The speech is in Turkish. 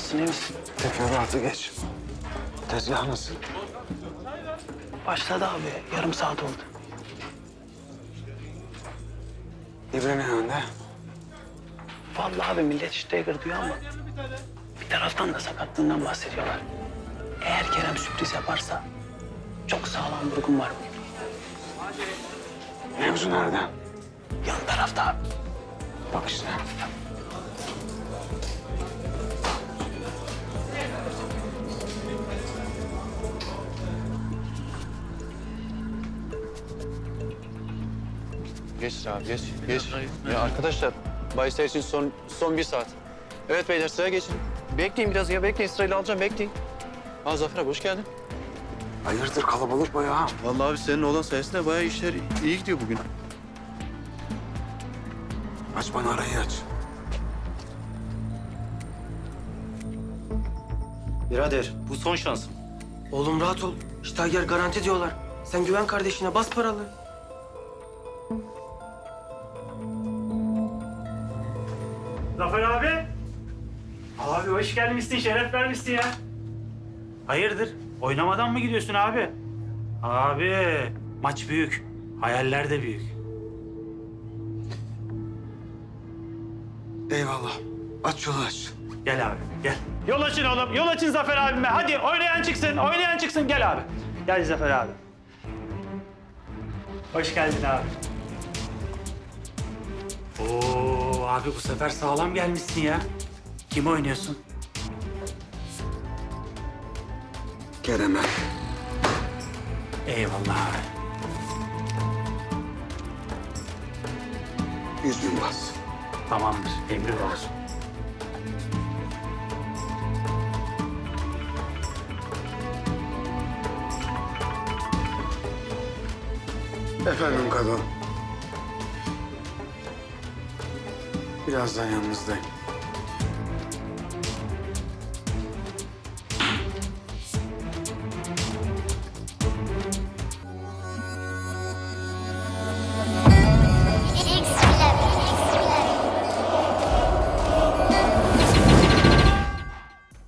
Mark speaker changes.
Speaker 1: Nasılsın, iyi misin?
Speaker 2: Teferruatı geç. Tezgah nasıl?
Speaker 1: Başladı abi. Yarım saat oldu.
Speaker 2: İbre ne yönde?
Speaker 1: Vallahi abi millet işte diyor ama bir taraftan da sakatlığından bahsediyorlar. Eğer Kerem sürpriz yaparsa çok sağlam vurgun var.
Speaker 2: Mevzu nerede?
Speaker 1: Yan tarafta abi.
Speaker 2: Bak işte.
Speaker 3: Geç abi, geç. Ya arkadaşlar, bahisler için son bir saat. Evet beyler, sıraya geçin. Bekleyin biraz ya, bekleyin. Sırayla alacağım, bekleyin. Aa Zafer abi, hoş geldin.
Speaker 2: Hayırdır kalabalık bayağı.
Speaker 3: Vallahi abi senin oğlan sayesinde bayağı işler iyi gidiyor bugün.
Speaker 2: Aç bana arayı aç.
Speaker 4: Birader bu son şansım.
Speaker 5: Oğlum rahat ol. Steiger garanti diyorlar. Sen güven kardeşine, bas paralı.
Speaker 4: Zafer abi. Abi hoş gelmişsin, şeref vermişsin ya. Hayırdır? Oynamadan mı gidiyorsun abi? Abi maç büyük, hayaller de büyük.
Speaker 2: Eyvallah. Aç yolu aç.
Speaker 4: Gel abi, gel. Yol açın oğlum, yol açın Zafer abime. Hadi oynayan çıksın. Gel abi. Gel Zafer abi. Hoş geldin abi. Oo abi bu sefer sağlam gelmişsin ya. Kim oynuyorsun?
Speaker 2: Kerem'e.
Speaker 4: Eyvallah abi.
Speaker 2: 100.000 bas.
Speaker 4: Tamamdır, emrin olsun.
Speaker 2: Efendim kadın. Birazdan yanınızdayım.